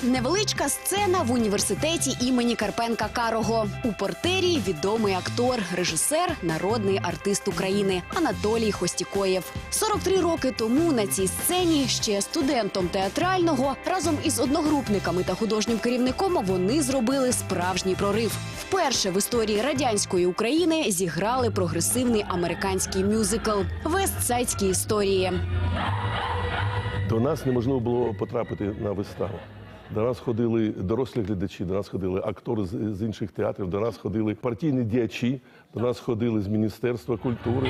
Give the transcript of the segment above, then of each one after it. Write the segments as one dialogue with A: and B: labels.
A: Невеличка сцена в університеті імені Карпенка-Карого. У портері відомий актор, режисер, народний артист України Анатолій Хостікоєв. 43 роки тому на цій сцені ще студентом театрального разом із одногрупниками та художнім керівником вони зробили справжній прорив. Вперше в історії радянської України зіграли прогресивний американський мюзикл «Вестсайдські історії».
B: До нас неможливо було потрапити на виставу. До нас ходили дорослі глядачі, до нас ходили актори з інших театрів, до нас ходили партійні діячі, до нас ходили з Міністерства культури.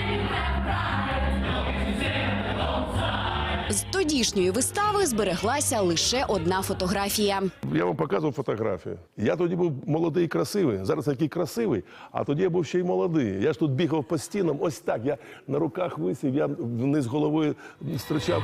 A: З тодішньої вистави збереглася лише одна фотографія.
B: Я вам показував фотографію. Я тоді був молодий і красивий, зараз такий красивий, а тоді я був ще й молодий. Я ж тут бігав по стінам, ось так, я на руках висів, я вниз головою стирчав.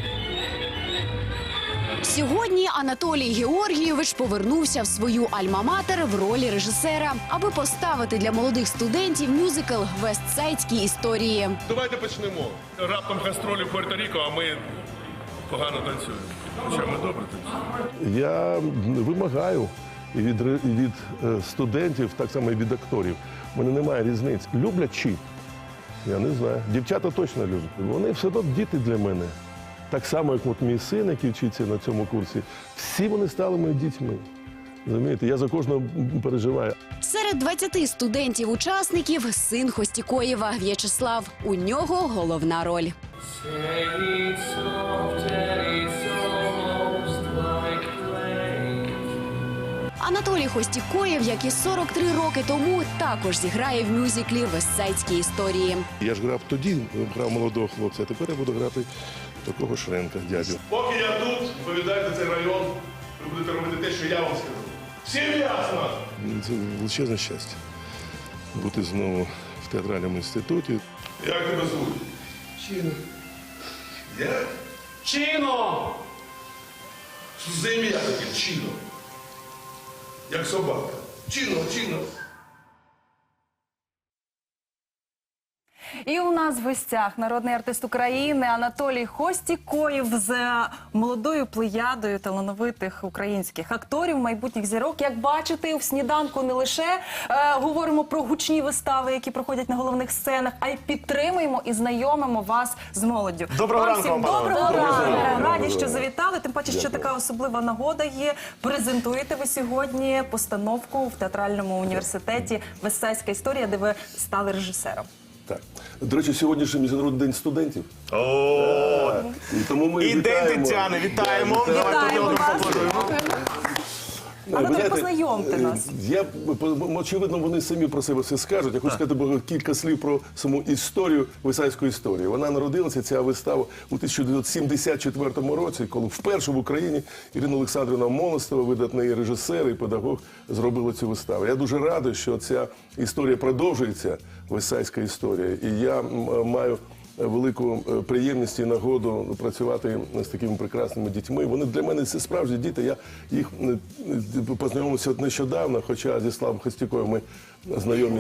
A: Сьогодні Анатолій Георгійович повернувся в свою альма-матер в ролі режисера, аби поставити для молодих студентів мюзикл «Вестсайдські історії».
C: Давайте почнемо. Раптом гастролі в Пуерто-Ріко, а ми погано танцюємо. Хоча ми добре танцюємо.
B: Я вимагаю і від студентів, так само і від акторів. У мене немає різниць. Люблять чи? Я не знаю. Дівчата точно люблять. Вони все одно діти для мене. Так само, як от мій син, який вчиться на цьому курсі. Всі вони стали моїми дітьми. Розумієте, я за кожного переживаю.
A: Серед 20 студентів-учасників син Хостікоєва В'ячеслав. У нього головна роль. Анатолій Хостікоєв, як і 43 роки тому, також зіграє в мюзиклі «Вестсайдські історії».
B: Я ж грав тоді, грав молодого хлопця, а тепер я буду грати такого Шренка, дядю.
C: Поки я тут, відповідаю за цей район, ви будете робити те, що я вам скажу. Всім ясно?
B: Це величезне щастя бути знову в театральному інституті.
C: Як тебе звуть?
B: Чіно.
C: Як?
D: Чіно!
C: Що за ім'я таке? Чіно. Як собака. Чіно, Чіно.
E: І у нас в гостях народний артист України Анатолій Хостікоєв з молодою плеядою талановитих українських акторів, майбутніх зірок. Як бачите, в «Сніданку» не лише говоримо про гучні вистави, які проходять на головних сценах, а й підтримуємо і знайомимо вас з молоддю.
D: Доброго ранку вам, панове.
E: Доброго ранку.
B: ранку.
E: Раді, що завітали. Тим паче, що така особлива нагода є. Презентуєте ви сьогодні постановку в театральному університеті «Вестсайдська історія», де ви стали режисером.
B: Так. До речі, сьогодні ж Міжнародний день студентів.
D: О,
B: І тому ми
D: і день
B: вітаємо.
D: Тетяни, вітаємо.
E: Вітаємо вас.
D: Поаплодуємо.
E: Анатолій, познайомте нас.
B: Очевидно, вони самі про себе все скажуть. Я хочу сказати кілька слів про саму історію, Вестсайдську історію. Вона народилася, ця вистава, у 1974 році, коли вперше в Україні Ірина Олександрівна Молостова, видатний режисер і педагог, зробила цю виставу. Я дуже радий, що ця історія продовжується, Вестсайдська історія. І я маю велику приємність і нагоду працювати з такими прекрасними дітьми. Вони для мене це справжні діти. Я їх познайомився нещодавно, хоча зі Славом Хостікоєвим ми знайомі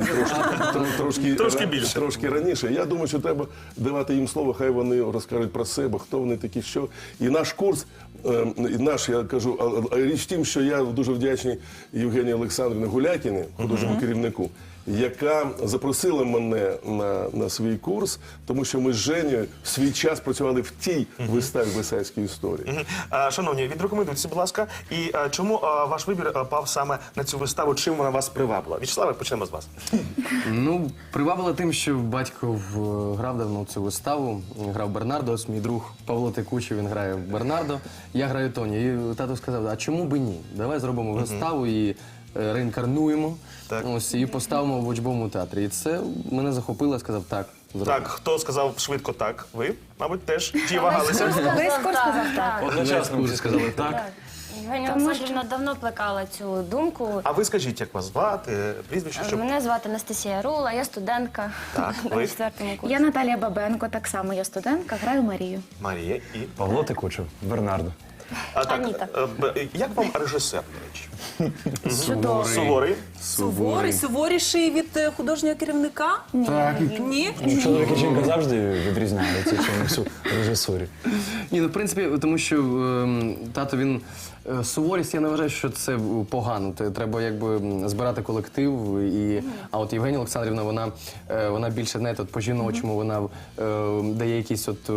B: трошки раніше. Я думаю, що треба давати їм слово, хай вони розкажуть про себе, хто вони такі, що. І наш курс, я кажу, річ в тім, що я дуже вдячний Євгенії Олександрівні Гулякіній, художньому керівнику, яка запросила мене на свій курс, тому що ми з Женєю в свій час працювали в тій виставі «Вестсайдської історії».
D: Шановні, відрекомендуйте, будь ласка. І чому ваш вибір пав саме на цю виставу? Чим вона вас привабила? В'ячеславе, почнемо з вас.
F: Ну, привабило тим, що батько грав давно цю виставу. Він грав Бернардо, ось мій друг Павло Текучий, він грає Бернардо. Я граю Тоні. І тато сказав, а чому би ні? Давай зробимо виставу і реінкарнуємо, ось, і поставимо в учбовому театрі. І це мене захопило, я сказав, так, зробимо.
D: Так, хто сказав швидко так? Ви, мабуть, теж ті вагалися.
E: Весь курс сказав так.
F: Одночасно всі сказали так.
G: Євгенія Олександрівна давно плекала цю думку.
D: А ви скажіть, як вас звати, прізвище, щоб...
G: Мене звати Анастасія Рула, я студентка
D: Так,
G: на
D: ви?
G: 4-му курсі.
H: Я Наталія Бабенко, так само я студентка, граю Марію.
D: Марія і...
F: Павло Текучий, Бернардо.
G: Аніта.
D: Як вам режисер, до речі?
G: Чудово.
D: Суворий?
E: Суворіший від художнього керівника?
F: Так.
E: Ні?
H: Чоловік і жінка завжди відрізняються чимось у режисурі.
F: Ні, ну в принципі, тому що тато він суворість, я не вважаю, що це погано. Треба якби збирати колектив. А от Євгенія Олександрівна, вона більше, знаєте, от по-жіночому, вона дає якісь от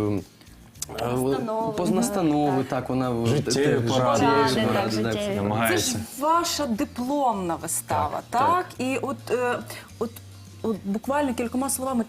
F: настанови, так, вона
H: Життєві поради.
E: Це
H: Намагається.
E: ж ваша дипломна вистава, так? І от буквально кількома словами,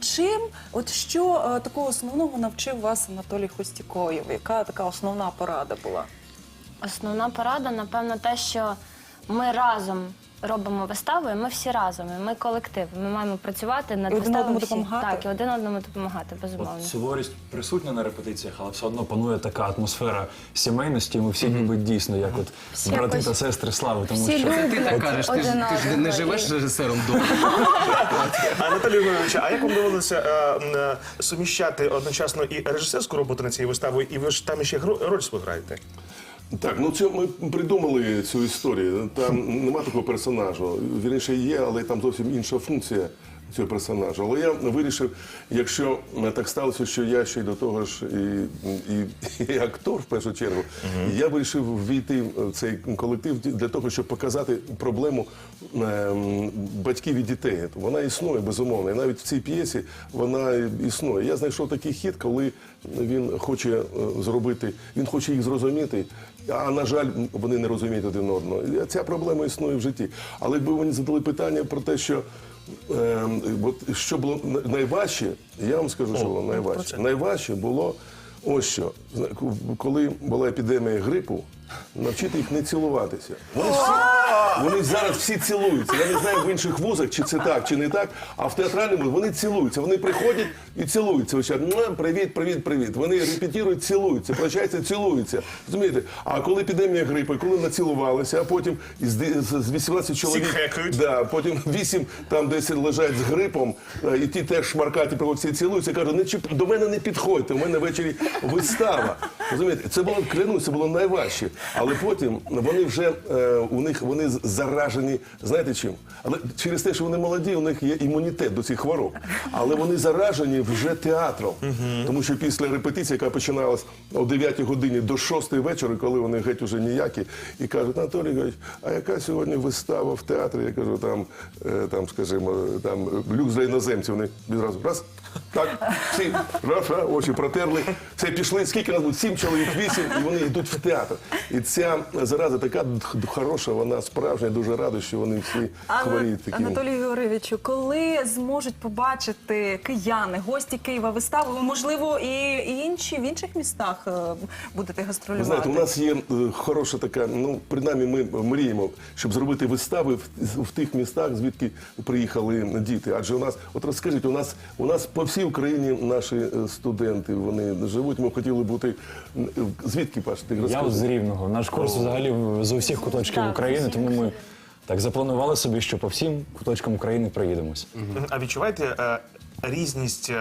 E: що такого основного навчив вас Анатолій Хостікоєв? Яка така основна порада була?
G: Основна порада, напевно, те, що ми разом робимо виставу, і ми всі разом, і ми колектив. Ми маємо працювати над
E: І один
G: виставою
E: одному
G: всі.
E: допомагати?
G: Так, і один одному допомагати, безумовно.
H: От суворість присутня на репетиціях, але все одно панує така атмосфера сімейності. Ми всі ніби дійсно, як от брати
G: якось-
H: та сестри слави. Тому
G: всі
H: що
G: люблять.
F: Ти так кажеш, ти ж не
G: одного.
F: живеш режисером вдома.
D: Анатолій Ігорович, а як вам довелося суміщати одночасно і режисерську роботу над цією виставою, і ви ж там ще роль свою граєте?
B: Так, ну це ми придумали цю історію. Там нема такого персонажа. Вірніше є, але там зовсім інша функція цього персонажа. Але я вирішив, якщо так сталося, що я ще й до того ж і актор в першу чергу, я вирішив ввійти в цей колектив для того, щоб показати проблему батьків і дітей. Вона існує, безумовно. І навіть в цій п'єсі вона існує. Я знайшов такий хід, коли він хоче зробити, він хоче їх зрозуміти, а на жаль, вони не розуміють один одного. І ця проблема існує в житті. Але якби вони задали питання про те, що що було найважче, я вам скажу, що було найважче. Найважче було ось що. Коли була епідемія грипу, навчити їх не цілуватися. Вони зараз всі цілуються. Я не знаю в інших вузах, чи це так, чи не так, а в театральному вони цілуються. Вони приходять і цілуються. Ось привіт, привіт, привіт. Вони репетирують, цілуються, прощаються, цілуються. Розумієте? А коли епідемія грипу, коли націлувалися, а потім з 18 чоловік, да, потім 8 там десь лежать з грипом, і ті теж шмаркаті приходять, всі цілуються, кажуть, до мене не підходьте, у мене ввечері вистава. Розумієте? Це було, клянусь, це було найважче. Але потім вони вже, вони заражені, знаєте чим? Але через те, що вони молоді, у них є імунітет до цих хвороб. Але вони заражені вже театром. Тому що після репетиції, яка починалась о 9 годині до 6 вечора, коли вони геть уже ніякі, і кажуть, Анатолій Ігорович, а яка сьогодні вистава в театрі? Я кажу, там скажімо, люкс для іноземців. Вони відразу, раз, так, всі, раз, очі протерли, все, пішли, скільки нас буде? 7 чоловік, 8, і вони йдуть в театр. І ця зараза така хороша, вона справжня, я дуже радий, що вони всі хворіють таким.
E: Анатолію Георгійовичу, коли зможуть побачити кияни, гості Києва виставу, ви, можливо, і інші в інших містах будете
B: Ви
E: гастролювати?
B: знаєте, у нас є хороша така, ну, принаймні ми мріємо, щоб зробити вистави в тих містах, звідки приїхали діти. Адже у нас, от розкажіть, у нас по всій Україні наші студенти, вони живуть, ми хотіли бути, звідки, Паш, ти розкажи?
H: Я з Рівного. Наш курс взагалі з усіх куточків
G: Так,
H: України,
G: з усіх
H: тому ми так запланували собі, що по всім куточкам України приїдемось.
D: А відчуваєте різність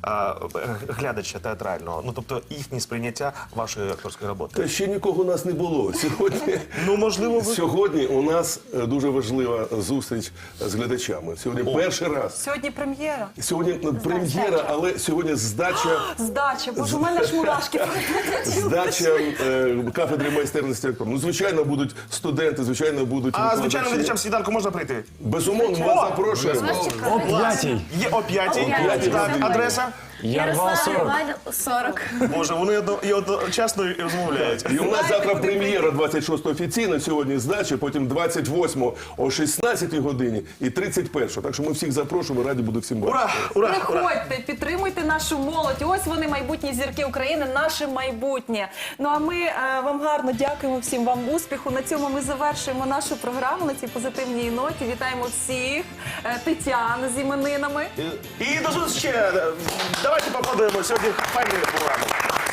D: глядача театрального? Ну, тобто їхнє сприйняття вашої акторської роботи?
B: Та ще нікого у нас не було.
D: Ну, можливо, ви...
B: Сьогодні у нас дуже важлива зустріч з глядачами. Сьогодні перший раз.
E: Сьогодні прем'єра.
B: Сьогодні прем'єра, але сьогодні здача.
E: Здача, боже, у мене ж мурашки.
B: Здача кафедри майстерності актора. Ну, звичайно, будуть студенти, звичайно, будуть
D: А, звичайно,
B: викладачі.
D: глядачам сніданку можна прийти?
B: Безумовно, ми вас запрошуємо.
H: О 5-й!
D: Є о 5-й.
B: п'ятій
D: Так,
B: годині.
D: адреса?
H: Ярвал 40.
G: 40.
D: Боже, вони одночасно і розмовляють.
B: І у нас завтра прем'єра 26 офіційно, сьогодні здача, потім 28 о 16 годині і 31. Так що ми всіх запрошуємо, раді буду всім бачити.
D: Ура, ура, ура.
E: Приходьте, підтримуйте нашу молодь. Ось вони, майбутні зірки України, наше майбутнє. Ну а ми вам гарно дякуємо, всім вам успіху. На цьому ми завершуємо нашу програму на цій позитивній ноті. Вітаємо всіх. Тетяну з іменинами.
D: І до зустрічі. Давайте поаплодуємо. Сьогодні файна програма.